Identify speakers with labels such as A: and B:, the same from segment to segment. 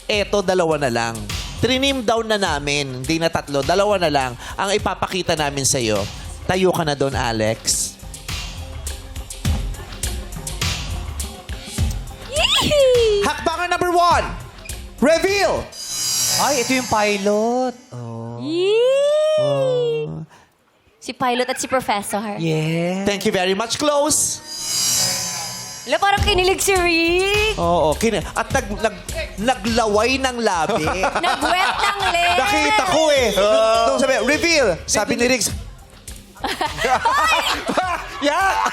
A: eto, dalawa na lang. Trinim down na namin. Hindi na tatlo. Dalawa na lang. Ang ipapakita namin sa'yo. Tayo ka na doon, Alex. Hakbangan number 1. Reveal!
B: Ay, ito yung pilot.
C: Si Pilot at si Professor.
B: Yeah.
A: Thank you very much. Close.
C: Wala, parang kinilig si Rick.
A: Oo. At naglaway ng labi.
C: Nag-wet ng lips.
A: Nakita ko eh. Nung sabi, reveal. Sabi ni Riggs. Yeah!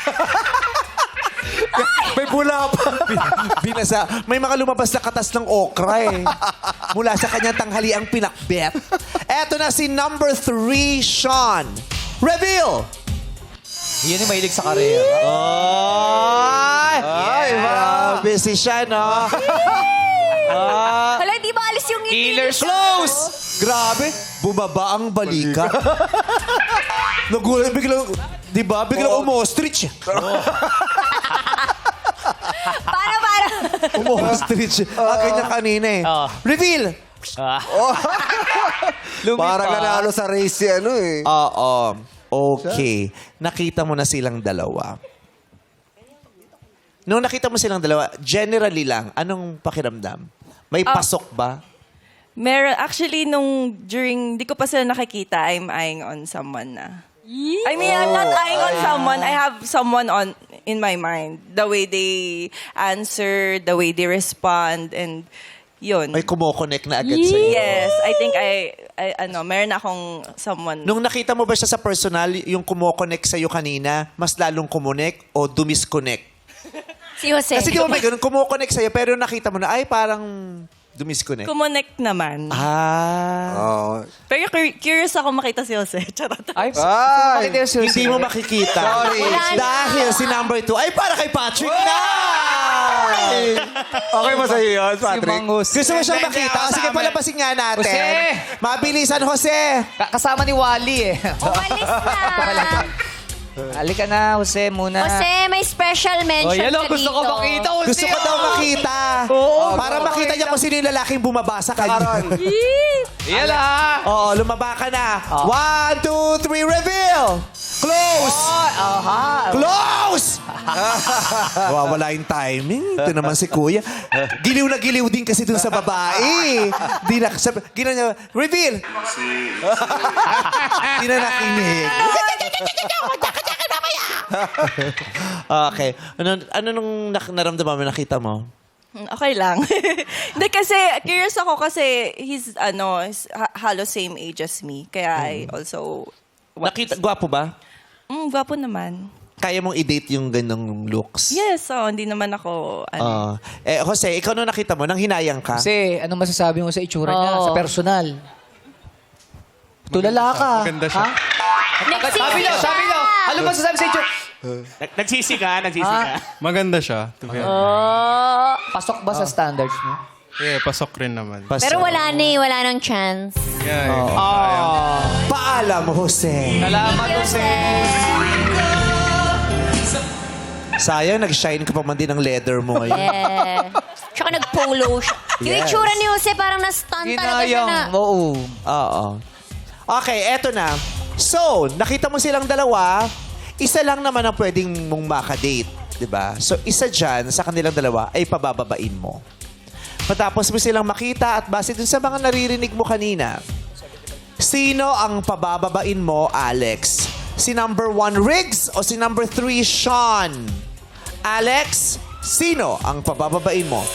A: May bula pa. Binasa. May mga lumabas na katas ng okra eh. Mula sa kanyang tanghaliang pinakbet. Eto na si number 3, Sean. Reveal!
B: Yan yung mahilig sa karera.
A: Ay, grabe si Sean, no?
C: Hala, di ba alis yung ngiti?
B: Killers
A: Close! Grabe. Bumaba ang balikat. Nagulat, biglang, di ba? Biglang umostrich.
C: Para.
A: Umostrich. Ganyan kanina eh. Reveal!
D: Parang nanalo sa race si ano eh.
A: Oo. Okay. Nakita mo na silang dalawa. Nung nakita mo silang dalawa, generally lang, anong pakiramdam? May pasok ba?
E: Meron, actually, during, di ko pa sila nakikita, I'm eyeing on someone na. I mean, I'm not eyeing on someone. I have someone in my mind. The way they answer, the way they respond, and yun.
A: May kumokonek na agad sa'yo.
E: Yes, I think meron akong someone.
A: Nung nakita mo ba siya sa personal, yung kumokonek sa'yo kanina, mas lalong kumonek o dumisconnect?
C: Si Jose.
A: Kasi di ba may ganun, kumokonek sa'yo, pero nakita mo na, ay, parang dumisconnect.
E: Kumonect naman.
A: Ah.
E: Pero curious ako makita si Jose. Charot.
B: Ay,
A: Hindi mo makikita.
D: Sorry.
A: Dahil si number 2, ay, para kay Patrick na!
D: Okay ba sa'yo yun,
B: si
D: Patrick?
B: Mang Jose.
A: Gusto mo siyang makita? O, sige, palabasin nga natin.
B: Jose!
A: Mabilisan, Jose!
B: Kasama ni Wally eh.
C: Umalis na.
B: Halika na, Jose, muna.
C: Jose, may special mention ka dito.
B: gusto ko makita, Jose.
A: Gusto ko daw makita. Para makita niya kung sino yung lalaking bumaba sa kanya.
B: Yan ah.
A: Oo, lumaba ka na. 1, 2, 3, reveal! Close! Close! Wala yung timing. Ito naman si Kuya. Giliw na giliw din kasi dun sa babae. Di na, ginawa niya, reveal! Di na nakinig. Okay. Ano nung naramdaman mo, nakita mo?
E: Okay lang. Hindi kasi, curious ako kasi he's halos same age as me. Kaya I also...
A: Nakita, gwapo ba?
E: Gwapo naman.
A: Kaya mong i-date yung ganong looks?
E: Yes, hindi naman ako...
A: Jose, ikaw nung nakita mo, nang hinayang ka?
B: Kasi, anong masasabi mo sa itsura niya, sa personal? Tulala ka.
F: Maganda siya.
B: Sabi nyo. Ano masasabi sa itsura?
G: Nagsisi ka.
F: Maganda siya. To be honest.
B: Pasok ba sa standards mo?
F: Yeah, pasok rin naman.
C: Pero wala na eh. Wala nang chance.
F: Yeah,
A: Paalam, Jose.
B: Salamat, Jose.
A: Sayang, nag-shine ka pa man din ng leather mo ngayon.
C: Yeah. Tsaka nag-polo siya. Yung
A: Yes.
C: itsura ni Jose parang na-stun talaga siya na.
B: Oo.
A: Oo. Okay, eto na. So, nakita mo silang dalawa, isa lang naman ang pwedeng mong makadate. Diba? So, isa dyan sa kanilang dalawa ay pabababain mo. Matapos mo silang makita at base dun sa mga naririnig mo kanina, sino ang pabababain mo, Alex? Si number 1, Riggs, o si number 3, Sean? Alex, sino ang pabababain mo?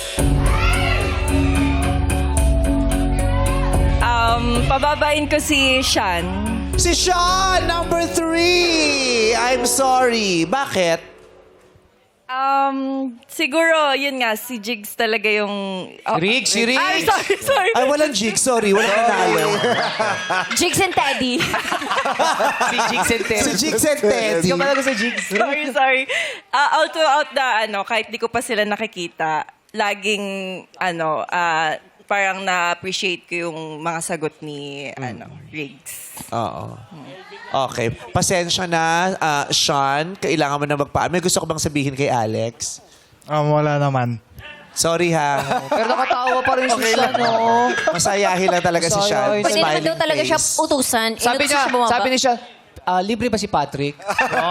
E: Pababain ko si Sean.
A: Si Sean, number 3! I'm sorry. Bakit?
E: Siguro, yun nga, si Jigs talaga yung...
B: Si Riggs.
E: Ay, sorry.
A: Ay, walang jig. Sorry, walang nanalo.
C: Jigs and Teddy.
B: Si Jigs and Teddy.
A: Si Jigs and Teddy.
B: Ikaw pala sa Jigs.
E: Sorry. Out to out na, kahit di ko pa sila nakikita, laging, parang na-appreciate ko yung mga sagot ni, Riggs.
A: Oo. Okay. Pasensya na, Sean. Kailangan mo na magpaan. May gusto ko bang sabihin kay Alex?
F: Wala naman.
A: Sorry ha.
B: Pero nakatawa pa rin si Sean, no?
A: Masayahin lang talaga si Sean.
B: Masayahin.
C: Pwede naman
A: Smiling
C: daw talaga siya
A: face.
C: utusan.
B: Sabi
C: Inutusan
B: niya,
C: siya bumaba.
B: sabi ni siya, libre ba si Patrick?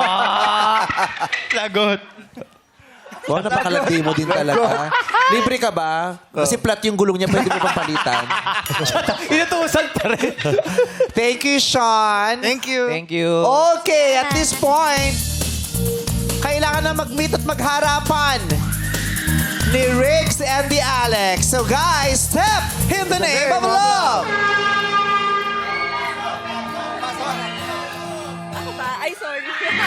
F: Lagot.
A: Wow, napakalandi mo din talaga. Libre ka ba? Kasi flat yung gulong niya, pwede mo pang palitan.
B: Inutusan pa rin.
A: Thank you, Sean.
F: Thank you.
B: Thank you.
A: Okay, at this point, kailangan na mag-meet at magharapan ni Riggs and the Alex. So guys, step in the name of love!
E: Ako ba? Ay, sorry.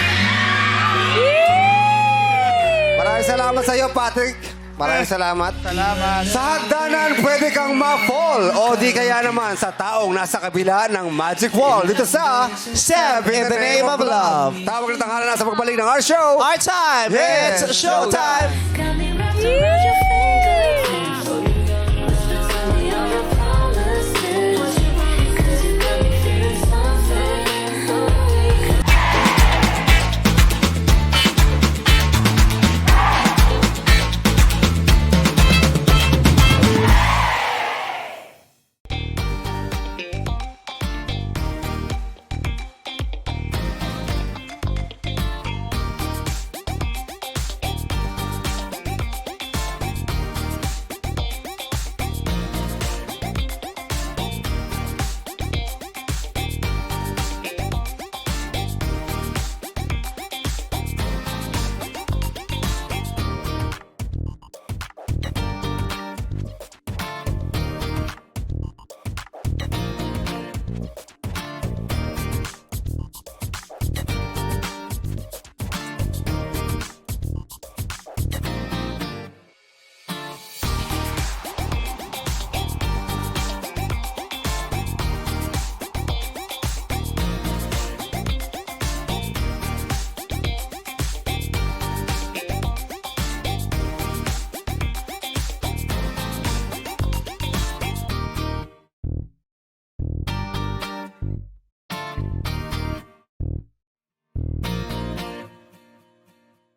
D: Maraming salamat sa iyo, Patrick. Maraming salamat. Salamat. Sa hagdanan, pwede kang ma-fall. O di kaya naman sa taong nasa kabila ng Magic Wall. Dito sa
A: Step in the name of love.
D: Tawag na tanghalan na sa pagbalik ng our show.
A: Our time,
D: Yeah.
A: it's showtime!
C: Coming round to